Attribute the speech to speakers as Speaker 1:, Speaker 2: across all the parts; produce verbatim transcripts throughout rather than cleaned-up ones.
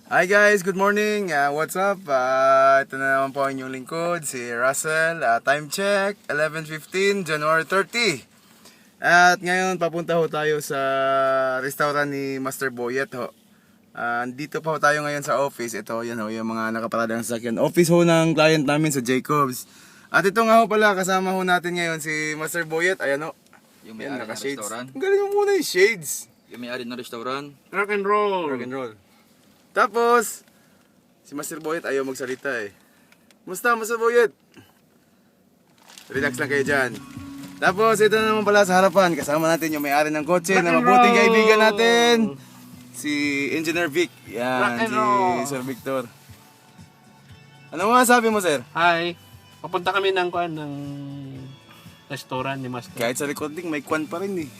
Speaker 1: Hi guys, good morning. Uh, what's up? Uh, ito na naman po ang inyong lingkod, si Russell. Uh, time check, eleven fifteen, January thirty. At ngayon, papunta ho tayo sa restaurant ni Master Boyet ho. Uh, dito pa ho tayo ngayon sa office. Ito, yan ho, yung mga nakaparadang sasakyan. Office ho ng client namin sa Jacobs. At ito nga ho pala, kasama ho natin ngayon si Master Boyet. Ayan ho.
Speaker 2: Yung may-ari ng restaurant.
Speaker 1: Ang galing mo muna yung shades.
Speaker 2: Yung may-ari ng restaurant.
Speaker 3: Rock and roll.
Speaker 1: Rock and roll. Tapos, si Master Boyet ayaw magsalita eh. Musta, Master Boyet? Relax lang kayo dyan. Tapos, ito na naman pala sa harapan. Kasama natin yung may-ari ng kotse na mabuting kaibigan natin. Si Engineer Vic. Yan, si Sir Victor. Ano mga sabi mo, sir?
Speaker 3: Hi. Papunta kami ng kuan ng restaurant ni Master.
Speaker 1: Kahit sa recording, may kwan pa rin eh.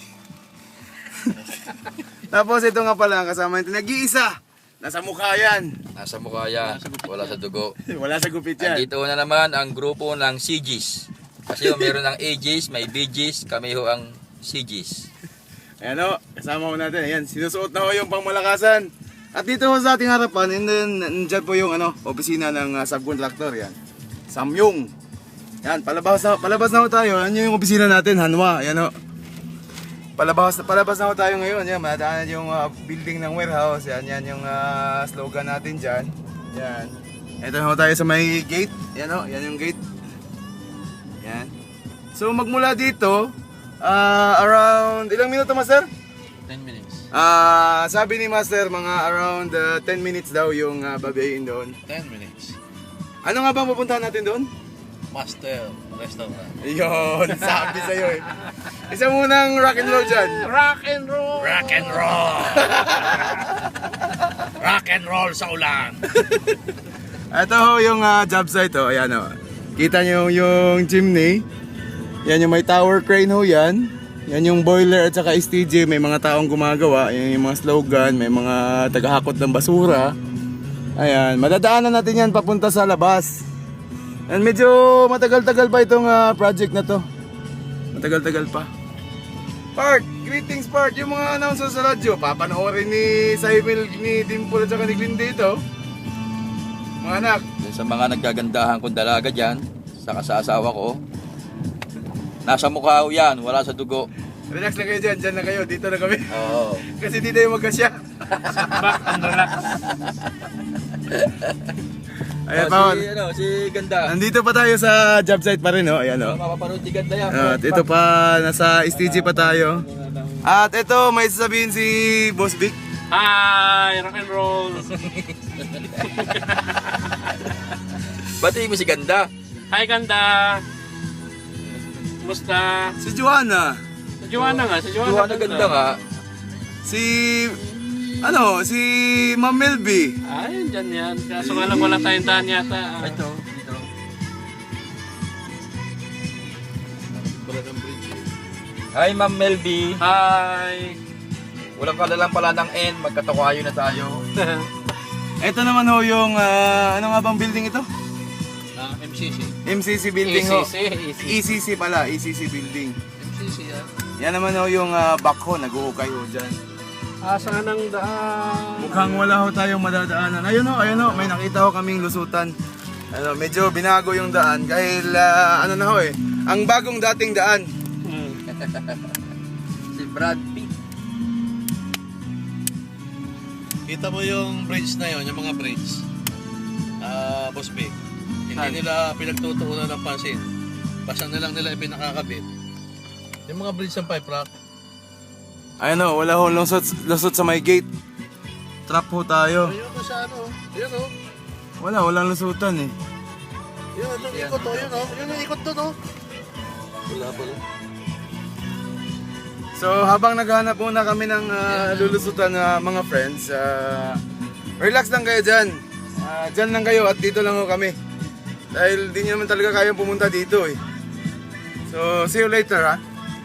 Speaker 1: Tapos, ito nga pala, kasama natin nag-iisa. Nasa mukha yan.
Speaker 2: Nasa mukha yan. Wala sa dugo.
Speaker 1: Wala sa gupit yan.
Speaker 2: Andito na naman ang grupo ng C Gs. Kasi yung meron ng A Gs, may B Gs, kami ho ang C Gs.
Speaker 1: Ayan o, kasama ko natin. Ayan, sinusuot na ho yung pangmalakasan. At dito ho sa ating harapan, and then, nandyan po yung ano, opisina ng uh, subcontractor. Yan. Samyong. Yan, palabas na, palabas na ho tayo. Yan yung opisina natin, Hanwa. Ayan o. Palabas, palabas na ho tayo ngayon. Yan, madaanan yung uh, building ng warehouse. Yan, yan yung uh, slogan natin dyan. Yan. Ito na ho tayo sa may gate. Yan o, yan yung gate. Yan. So magmula dito, uh, around, ilang minuto, Master?
Speaker 3: ten minutes.
Speaker 1: Ah, sabi ni Master, mga around uh, ten minutes daw yung uh, babayin doon.
Speaker 3: ten minutes.
Speaker 1: Ano nga bang pupuntahan natin doon?
Speaker 3: Master Restaurant.
Speaker 1: Yun, sabi sa'yo eh. Isa munang rock and roll dyan.
Speaker 3: Rock and roll.
Speaker 4: Rock and roll. Rock and roll sa ulan.
Speaker 1: Ito ho yung uh, job site ho. Ayan ho. Kita nyo yung chimney. Yan yung may tower crane ho yan. Yan yung boiler at saka S T J. May mga taong gumagawa. Yan yung mga slogan. May mga tagahakot ng basura. Ayan. Madadaanan natin yan papunta sa labas. And medyo matagal-tagal pa itong uh, project na to. Matagal-tagal pa. Part, greetings Part. Yung mga announcers sa radyo, papanoorin ni Saimil, ni Dimple at saka ni Glenn dito. Mga anak.
Speaker 2: Dun sa mga nagkagandahan kong dalaga dyan, saka sa asawa ko, nasa mukha ho yan, wala sa dugo.
Speaker 1: Relax lang kayo dyan, dyan lang kayo, dito na kami.
Speaker 2: Oo.
Speaker 1: Kasi dito yung magkasya.
Speaker 3: Back and relax.
Speaker 1: Ayan
Speaker 2: Oh,
Speaker 1: pa.
Speaker 2: si, ano, si Ganda.
Speaker 1: Nandito pa tayo sa job site pa rin, oh. Ayan, oh.
Speaker 2: Oh, mapapanood si Ganda yan.
Speaker 1: At ito pa, nasa S T G pa tayo. At ito, may sasabihin si Boss Vic.
Speaker 3: Hi, rock and roll.
Speaker 2: Batiin mo si Ganda.
Speaker 3: Hi, ganda. Kumusta?
Speaker 1: Si Joanna.
Speaker 3: Sa Joanna nga, sa Joanna.
Speaker 2: Joanna Ganda nga.
Speaker 1: Si, ano, si Ma'am Melby.
Speaker 3: Ay, dyan yan. Kaso nga lang wala tayong daan yata.
Speaker 2: Ito, dito. Hi, Ma'am Melby.
Speaker 3: Hi.
Speaker 2: Walang kalalang pala ng N, magkatawayo na tayo.
Speaker 1: Ito naman ho yung, ah, ano nga bang building ito?
Speaker 3: Ah, M C C.
Speaker 1: M C C building ho.
Speaker 3: E C C.
Speaker 1: E C C pala, E C C building.
Speaker 3: M C C yan.
Speaker 1: Yan naman ho yung uh, backho, nag-uukay ho dyan.
Speaker 3: Asa ng daan?
Speaker 1: Mukhang wala ho tayong madadaanan. Ayun ho, ayun ho, may nakita ho kaming lusutan. Ano, medyo binago yung daan dahil ah, ano na ho eh, ang bagong dating daan.
Speaker 3: Hmm.
Speaker 2: Si Brad Pitt.
Speaker 4: Kita mo yung bridge na yon, yung mga bridge. Ah, Boss Big. Hindi
Speaker 3: Saan?
Speaker 4: nila pinagtutuunan ng pansin. Basta na lang nila ipinakakabit. Yung mga bridge ng pipe rock.
Speaker 1: Ayun ho, wala ho lusot, lusot sa may gate. Trap ho tayo.
Speaker 4: Ayun o sa ano. Ayun o.
Speaker 1: Wala, walang lusutan eh.
Speaker 4: Yun, yung ikot o. Yun o. Yun yung ikot doon o.
Speaker 2: Wala pala.
Speaker 1: So habang naghahanap muna kami ng ah, lulusutan na mga friends, ah, relax lang kayo dyan. Ah, dyan lang kayo at dito lang ho kami. Dahil di nyo naman talaga kayang pumunta dito eh. So see you later ha.